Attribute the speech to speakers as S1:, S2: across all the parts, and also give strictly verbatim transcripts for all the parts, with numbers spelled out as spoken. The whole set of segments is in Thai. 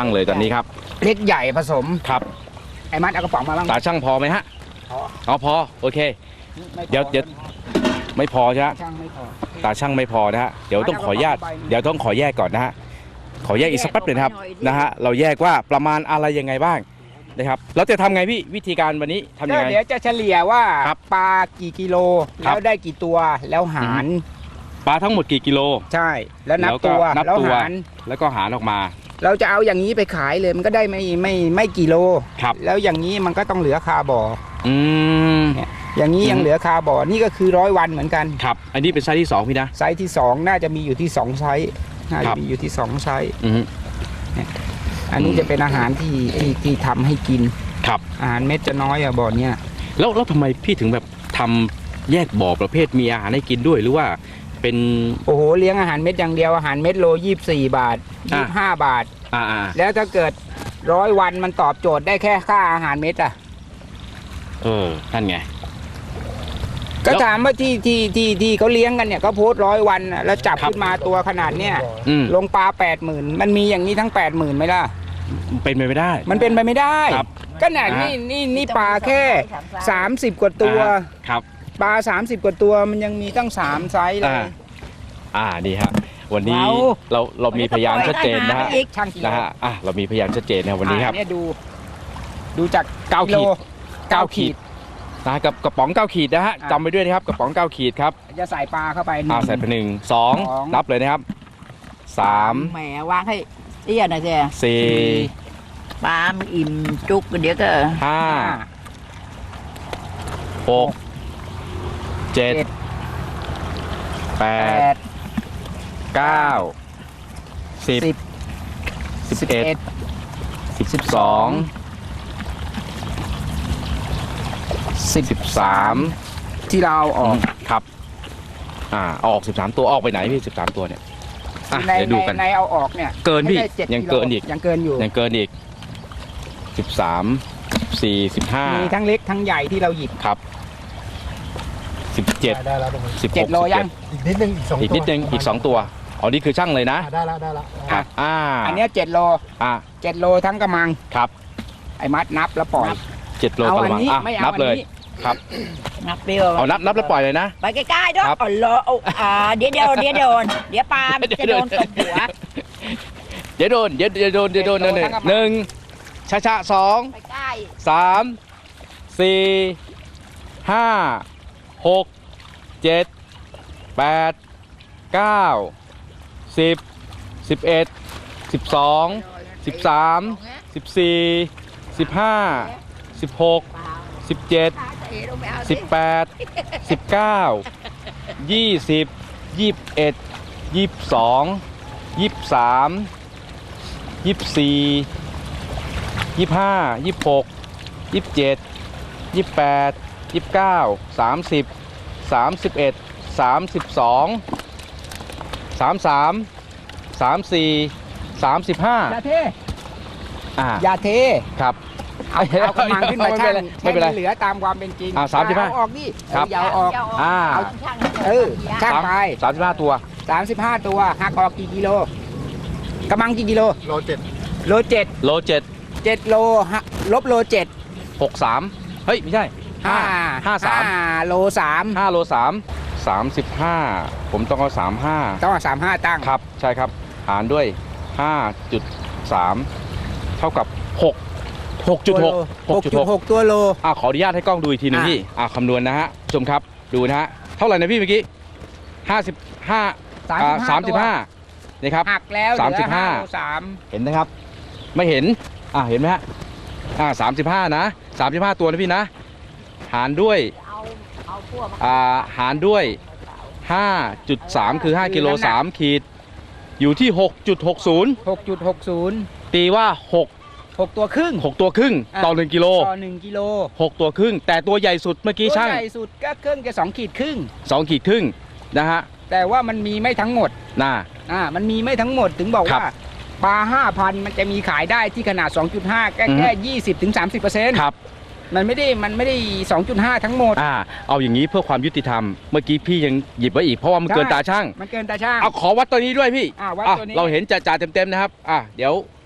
S1: งเลยตอนนี้ครับ
S2: เล็กใหญ่ผสม
S1: ครับ
S2: ไอ้มัดเอากระป๋องมาบ้าง
S1: ตาช่างพอไหมฮะพออ๋อพอโอเคเดี๋ยวเดี๋ยวไม่พอใช่ไหมตาช่างไม่พอนะฮะเดี๋ยวต้องขออนุญาตเดี๋ยวต้องขอแยกก่อนนะฮะขอแยกอีกสักแป๊บหนึ่งครับนะฮะเราแยกว่าประมาณอะไรยังไงบ้างนะครับเราจะทำไงพี่วิธีการวันนี้ทำยังไง
S2: เดี๋ยวจะเฉลี่ยว่าปลากี่กิโลแล้วได้กี่ตัวแล้วหาร
S1: ปลาทั้งหมดกี่กิโล
S2: ใช่แล้วนับตัวแล้วหาร
S1: แล้วก็หารออกมา
S2: เราจะเอาอย่างนี้ไปขายเลยมันก็ได้ไม่ไม่ไม่กี่โล
S1: ครับ
S2: แล้วอย่างนี้มันก็ต้องเหลือคาบ่อ
S1: อืม
S2: เนี่ยอย่างนี้ยังเหลือคาบ่อนี่ก็คือร้อยวันเหมือนกัน
S1: ครับอันนี้เป็นไซส์ที่สองพี่นะ
S2: ไซส์ที่สองน่าจะมีอยู่ที่สองไซส์น่าจะมีอยู่ที่สองไซส์เนี่ยอันนี้จะเป็นอาหารที่ที่ที่ทำให้กิน
S1: ครับ
S2: อาหารเม็ดจะน้อยอะบ่อเนี้ย
S1: แล้วแล้วทำไมพี่ถึงแบบทำแยกบ่อประเภทมีอาหารให้กินด้วยหรือว่าเป็น
S2: โอ้โหเลี้ยงอาหารเม็ดอย่างเดียวอาหารเม็ดโลยี่สิบสี่บาทยี่สิบห้าบาท
S1: อ่า
S2: แล้วถ้าเกิดร้อยวันมันตอบโจทย์ได้แค่ค่าอาหารเม็ดอะ
S1: เออนั่นไง
S2: ก็ถามว่าที่ที่ที่ที่เขาเลี้ยงกันเนี่ยเขาโพสร้อยวันแล้วจับขึ้นมาตัวขนาดเนี้ยลงปลาแปดหมื่นมันมีอย่างนี้ทั้งแปดหมื่นไหมล่ะ
S1: เป็นไปไม่ได้
S2: มันเป็นไปไม่ได้ก็เนี่ยนี่นี่นี่ปลาแค่สามสิบกว่าตัว
S1: ครับ
S2: ปลาสามสิบกว่าตัวมันยังมีตั้งสามไซส์เลย
S1: อ่านี่ฮะวันนี้เราเรามีพยานชัดเจนนะฮะนะฮะอ่ะเรามีพยานชัดเจนนะวันนี้ครับ
S2: เนี่ยดูดูจากเก้าขีดเก้าขีด
S1: นะกับกระป๋องเก้าขีดนะฮะจำไว้ด้วยนะครับกระป๋องเก้าขีดครับ
S2: จะใส่ปลาเข้าไป
S1: อ่าใส่ไปหนึ่งสองนับเลยนะครับสาม
S3: แหมวางให้เตี้ยหน่อยสิ
S1: สี่
S3: ปลาอิ่มจุกเดี๋ยวก็
S1: ห้าหกเจ็ดแปดเก้าสิบสิบเอ็ดสิบสองสิบสาม
S2: ที่เราออก
S1: ครับอ่าออกสิบสามตัวออกไปไหนพี่สิบสามตัวเนี่ย
S2: ในดูกันในเอาออกเนี่ย
S1: เกินพี่ยังเกินอีก
S2: ยังเกินอยู่
S1: ยังเกินอีกสิบสามสี่สิบห้า
S2: มีทั้งเล็กทั้งใหญ่ที่เราหยิบ
S1: ครับสิบเจ็ดสิบ
S2: เจ็ดโลยัง
S4: อีกนิดนึงอีกสอง
S1: อีกนิดนึงอีกสองตัวอ๋อนี่คือช่างเลยนะ
S4: ได้แล้วได้แล้ว
S1: ครับอ่า
S2: อันนี้เจ็ดโล
S1: อ่า
S2: เจ็ดโลทั้งกระมัง
S1: ครับ
S2: ไอ้มัดนับแล้วปล่อย
S1: เจ็ดโลกระมังอ่ะนับเลยครับ
S3: นับเปรี้ยว
S1: เอานับนับแล้วปล่อยเลยนะ
S3: ไปใกล้ๆด้วยอ๋อรออ่าเดี๋ยวเดี๋ยวเดี๋ยวโดนเดี๋ยวปลาจะโดนตบหัว
S1: เดี๋ยวโดนเดี๋ยวเดี๋ยวโดนเดี๋ยวโดนหนึ่งหนึ่งช้าช้าสองสามสี่ห้าหกเจ็ดแปดเก้าสิบสิบเอ็ดสิบสองสิบสามสิบสี่สิบห้าสิบหกสิบเจ็ดสิบแปดสิบเก้ายี่สิบยี่สิบเอ็ดยี่สิบสองยี่สิบสามยี่สิบสี่ยี่สิบห้ายี่สิบหกยี่สิบเจ็ดยี่สิบแปดยี่สิบเก้าสามสิบสามสิบเอ็ดสามสิบสองสามสามสามสี่สามสิบห้า
S2: อย่าเท
S1: อ่า
S2: อย่าเท
S1: ครับ
S2: เอาเอากระมังขึ้นมาช่างไม่เป็นไรเหลือตามความเป็นจริง
S1: อ่าสามสิบห้า
S2: ออกดิครับยาวออก
S1: อ่า
S2: เออช่างไป
S1: สามสิบห้าตัว
S2: สามสิบห้าตัวหักออกกี่กิโลกระมังกี่กิโล
S4: โลเจ็ด
S2: โลเจ็ด
S1: โลเจ็ด
S2: เจ็ดโลลบโลเจ็ด
S1: หกสามเฮ้ยไม่ใช่ห้าห้าสาม
S2: โลสาม
S1: ห้าโลสามสามสิบห้าผมต้องเอาสามห้า
S2: ต้องเอาสามห้าตั้ง
S1: ครับใช่ครับหารด้วยห้าจุดสามเท่ากับหกหกจุดหก
S2: หกจุดหกตัวโล
S1: อ่าขออนุญาตให้กล้องดูอีกทีนึงพี่อ่าคำนวณนะฮะชมครับดูนะฮะเท่าไหร่นะพี่เมื่อกี้ห้าสิบห้าสามสิบห้านี่ครับ
S2: หักแล้ว
S1: สามสิบห้า
S2: สาม
S1: เห็นนะครับไม่เห็นอ่าเห็นไหมฮะอ่าสามสิบห้านะสามสิบห้าตัวนะพี่นะหารด้วยอ่าหารด้วย ห้าจุดสาม คือห้ากิโลสามขีดอยู่ที่ หกจุดหกศูนย์
S2: หกจุดหกศูนย์
S1: ตีว่าหก
S2: หกตัวครึ่ง
S1: หกตัวครึ่งต่อหนึ่งกิโล
S2: ต่อหนึ่งกิโล
S1: หกตัวครึ่งแต่ตัวใหญ่สุดเมื่อกี้ช่าง
S2: ตัวใหญ่สุดก็ครึ่งจะสองขีดครึ่ง
S1: สองขีดครึ่งนะฮะ
S2: แต่ว่ามันมีไม่ทั้งหมด
S1: น่ะ
S2: อ่ามันมีไม่ทั้งหมดถึงบอกว่าปลา ห้าพัน มันจะมีขายได้ที่ขนาด สองจุดห้า แค่แค่ ยี่สิบถึงสามสิบเปอร์เซ็นต์
S1: ครับ
S2: มันไม่ได้มันไม่ได้ สองจุดห้า ทั้งหมด
S1: อ่าเอาอย่างนี้เพื่อความยุติธรรมเมื่อกี้พี่ยังหยิบไว้อีกเพราะว่ามันเกินตาช่าง
S2: มันเกินตาช่าง
S1: เอาขอวัดตัวนี้ด้วยพี่
S2: อ่าวัดตัวนี้
S1: เราเห็นจ่าๆเต็มๆนะครับอ่ะเดี๋ยว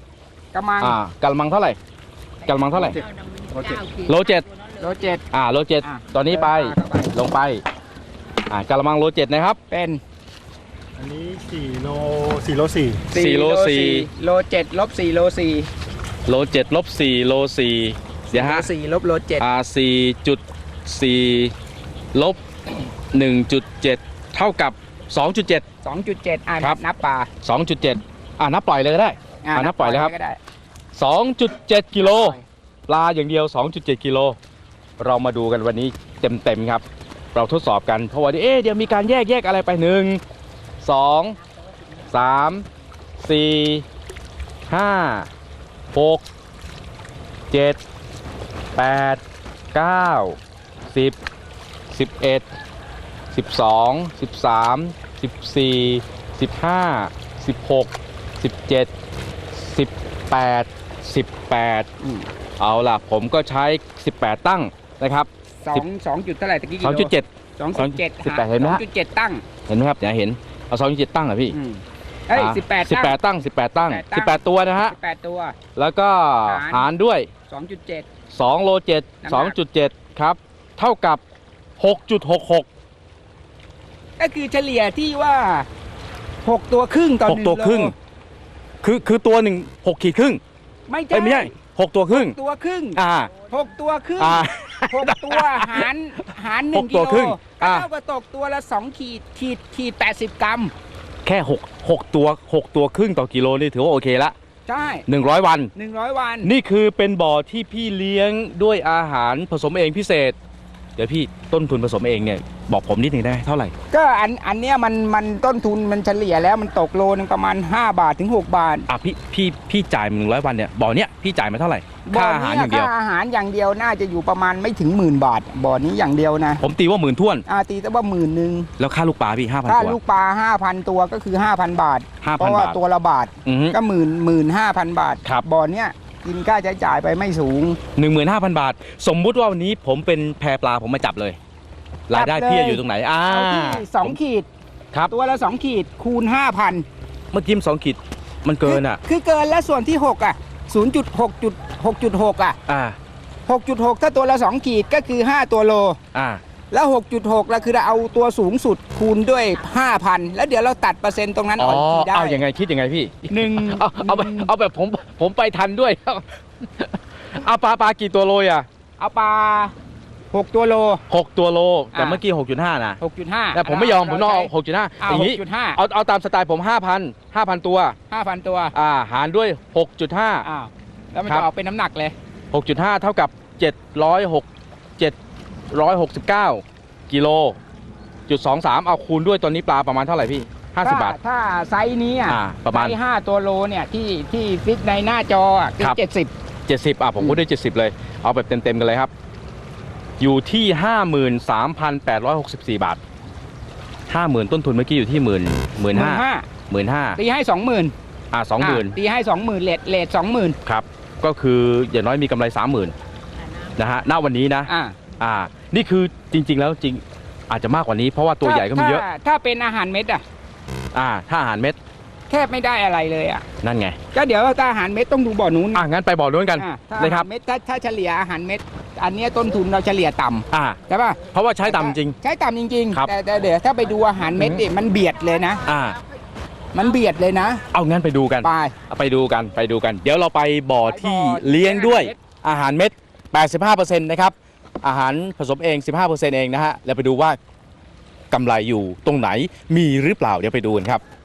S2: กระมัง
S1: อ่ากะละมังเท่าไหร่กะละมังเท่าไหร่
S3: โลเจ็ด
S1: โลเจ็ด
S2: โลเจ็ด
S1: อ่าโลเจ็ด
S2: อ่ะ
S1: ตอนนี้ไป
S2: เดินปลาเข้าไป
S1: ลงไปอ่ากะละมังโลเจ็ดนะครับ
S2: เป็น
S4: อันนี้สี่โลสี่โลสี่
S1: สี่โลสี่
S2: โลเจ็ดลบสี่โลสี่
S1: โลเจ็ดลบสี่โลสี่เดี๋ยวฮะ
S2: โลสี่ลบโลเจ็ด
S1: อ่าสี่จุดสี่ลบหนึ่งจุดเจ็ดเท่ากับสองจุดเจ็ด
S2: สองจุดเจ็ดอ่า
S1: ครับ
S2: นับปลา
S1: สองจุดเจ็ดอ่านับปล่อยเลยก็ได้
S2: อ่า
S1: อ่านับปล่อยเลยครับ
S2: ก็ได้
S1: สองจุดเจ็ดกิโล
S2: ปล่อย
S1: ปลาอย่างเดียว สองจุดเจ็ดกิโลเรามาดูกันวันนี้เต็มๆครับ เราทดสอบกันเพราะว่าเอ๊ะเดี๋ยวมีการแยกแยกอะไรไปหนึ่งสองสามสี่ห้าหกเจ็ดแปดเก้าสิบสิบเอ็ดสิบสองสิบสามสิบสี่สิบห้าสิบหกสิบเจ็ดสิบแปดสิบแปด
S2: อืม
S1: เอาล่ะผมก็ใช้สิบแปดตั้งนะครับ
S2: สองสองจุดเท่าไหร่ตะกี้กิ
S1: สอง
S2: โล
S1: จุดเจ็ด
S2: สองจุดเจ็ด
S1: สิบแปดเห็นไหม
S2: สอ
S1: ฮะ
S2: งจุดเจ็ดตั้ง
S1: เห็นไหมครับอย่าเห็นเอาสองจุดเจ็ดตั้งเหรอพี่
S2: อืมเอ้ยสิบแปด
S1: สิบแปด
S2: ตั้ง
S1: ตั้งสิบแปดตั้ง
S2: สิ
S1: สิ
S2: บบ แป
S1: แป
S2: ด
S1: ดตัวนะฮะ
S2: สิบแปดตัว
S1: แล้วก็
S2: หาร
S1: หารด้วย
S2: สองจุดเจ็ด
S1: สองโลเจ็ด
S2: น้ำหนัก
S1: สองจุดเจ็ดครับ เท่ากับหกจุดหกหก
S2: ก็คือเฉลี่ยที่ว่าหกตัวครึ่งต่อ
S1: ห
S2: ห
S1: ก
S2: นึ่ง
S1: ตัวครึ่ง
S2: โล
S1: คือคือตัวหนึ่งหกขีดครึ่ง
S2: ไม่
S1: เอ้ยไม่
S2: ใช่
S1: ใช่หกตัวครึ่ง
S2: ตัวครึ่ง
S1: อ่า
S2: หกตัวครึ่ง
S1: อ่า
S2: หกตัวหารหารหนึ่
S1: ห
S2: ง
S1: ก
S2: กิ
S1: ตัว
S2: โล
S1: ครึ่ง
S2: ก็
S1: อ่า
S2: เท่ากับตกตัวละสองขีดขีดขีดแปดสิบกรัม
S1: แค่หกหกตัวหกตัวครึ่งต่อกิโลนี่ถือว่าโอเคละ
S2: ใช่
S1: หนึ่งร้อยวัน
S2: หนึ่งร้อยวัน
S1: นี่คือเป็นบ่อที่พี่เลี้ยงด้วยอาหารผสมเองพิเศษ เดี๋ยวพี่ต้นทุนผสมเองเนี่ยบอกผมนิดหนึ่งได้ไหมเท่าไหร่
S2: ก็อันอันเนี้ยมันมันต้นทุนมันเฉลี่ยแล้วมันตกโลนึงประมาณห้าบาทถึงหกบาท
S1: อ่ะพี่พี่พี่จ่ายหนึ่งร้อยวันเนี่ยบ่อเนี้ยพี่จ่ายมาเท่าไหร่ค่าอาหารอย่างเดียว
S2: ค่าอาหารอย่างเดียวน่าจะอยู่ประมาณไม่ถึงหมื่นบาทบ่อนี้อย่างเดียวนะ
S1: ผมตีว่าหมื่นท้วน
S2: อาตีแต่ว่าหมื่นหนึ่ง
S1: แล้วค่าลูกปลาพี่ห้าพัน
S2: ถ้า
S1: ตัว
S2: ลูกปลาห้าพันตัวก็คือห้าพันบาท
S1: ห้า
S2: เพ
S1: พัน
S2: ราะว่า
S1: บาท
S2: ตัวละบาท
S1: อือฮึ
S2: ก็หมื่นหมื่นห้าพันบาท
S1: ครับ
S2: บ่อเนี้ยกินค่าใช้จ่ายไปไม่สูง
S1: หนึ่งหมื่นห้าพันบาท สมมุติว่าวันนี้ผมเป็นแพปลาผมมาจับเลยรายได้
S2: จับเลย
S1: พี่จะอยู่ตรงไหนอ่า
S2: เอาที่สอง
S1: ผม
S2: ขีด
S1: ครับ
S2: ตัวละสองขีดคูณห้าพัน
S1: เมื่อกี้มันสองขีดมันเกินอ่ะ
S2: คือเกินแล้วส่วนที่หกอ่ะศูนย์จุดหกจุดหกจุดหกอ่ะ
S1: อ่า
S2: หกจุดหกถ้าตัวละสองขีดก็คือห้าตัวโล
S1: อ่า
S2: แล้ว หกจุดหก แล้วคือเราเอาตัวสูงสุดคูณด้วย ห้าพัน แล้วเดี๋ยวเราตัดเปอร์เซ็นต์ตรงนั้น
S1: อ๋
S2: อ
S1: อ
S2: อกทีได้
S1: เอายังไงคิดยังไงพี่
S2: หนึ่ง
S1: เอาเอาแบบเอาแบบผมผมไปทันด้วย เอาปลาปลากี่ตัวโลอ่ะ
S2: เอาปลาหกตัวโล
S1: หกตัวโลแต่
S2: อ่า
S1: เมื่อกี้หกจุดห้านะ
S2: หกจุดห้า
S1: แต่ผมไม่ยอมผมต้องเอาหกจุดห้า
S2: เอา
S1: อย่าง
S2: ห
S1: นี้
S2: กจุดห้า
S1: เอาเอาตามสไตล์ผมห้าพันห้าพันตัว
S2: ห้าพันตัว
S1: อ่าหารด้วยหกจุดห้า
S2: อ้าวแล้วมัน
S1: ครั
S2: จะ
S1: บ
S2: ออกเป็นน้ำหนักเลย
S1: หกจุดห้าเท่ากับเจ็ดร้อยหกเจ็ดร้อยหกสิบเก้ากิโลจุดสองสามเอาคูณด้วยตอนนี้ปลาประมาณเท่าไหร่พี่ห้าสิบบาท
S2: ถ้ถ้าไซส์นี้อ่ะ
S1: อ่าประมาณ
S2: ไซส์ห้าตัวโลเนี่ยที่ที่ฟิตในหน้าจออ่ะคือ
S1: ครับ
S2: เจ็ดสิบ
S1: เจ็ดสิบอ่ะผมพูดได้เจ็ดสิบเลย เอาแบบเต็มๆกันเลยครับ อยู่ที่ห้าหมื่นสามพันแปดร้อยหกสิบสี่บาทห้าหมื่นต้นทุนเมื่อกี้อยู่ที่หมื่นหมื่นห้าหมื่นห้า
S2: ตีให้สองหมื่น
S1: อ่ะสองหมื่น
S2: ตีให้สองหมื่นเลทเลทสองหมื่น
S1: ครับ ก็คืออย่างน้อยมีกำไรสามหมื่นนะฮะณวันนี้นะ
S2: อ่า
S1: อ่า นี่คือจริง ๆ แล้วจริงอาจจะมากกว่านี้เพราะว่าตัวใหญ่ก็มีเยอะ
S2: ถ้าถ้าเป็นอาหารเม็ดอ่ะ
S1: อ่า ถ้าอาหารเม็ด
S2: แทบไม่ได้อะไรเลยอ่ะ
S1: นั่นไง
S2: ก็เดี๋ยวถ้าอาหารเม็ดต้องดูบ่อนู้น
S1: อ่ะงั้นไปบ่อนู้นกัน
S2: อ่ะถ้า
S1: นะ
S2: อา
S1: ค
S2: หา
S1: รับ
S2: รเม็ดถ้าถ้าเฉลี่ยอาหารเม็ด อันเนี้ยต้นทุนเราเฉลี่ยต่ำ
S1: อ่า
S2: ใช่ป่ะ
S1: เพราะว่าใช้ต่ำจริง
S2: ใช้ต่ำจริง
S1: ครับ
S2: ๆ แต่แต่เดี๋ยวถ้าไปดูอาหารเม็ดเนี่ยมันเบียดเลยนะ
S1: อ่า
S2: มันเบียดเลยนะ
S1: เอางั้นไปดูกัน
S2: ไป
S1: ไปดูกันไปดูกัน เดี๋ยวเราไปบ่อที่เลี้ยงด้วยอาหารเม็ด แปดสิบห้าเปอร์เซ็นต์ นะครับ อาหารผสมเอง สิบห้าเปอร์เซ็นต์ เองนะฮะ แล้วไปดูว่ากำไรอยู่ตรงไหนมีหรือเปล่า เดี๋ยวไปดูกันครับ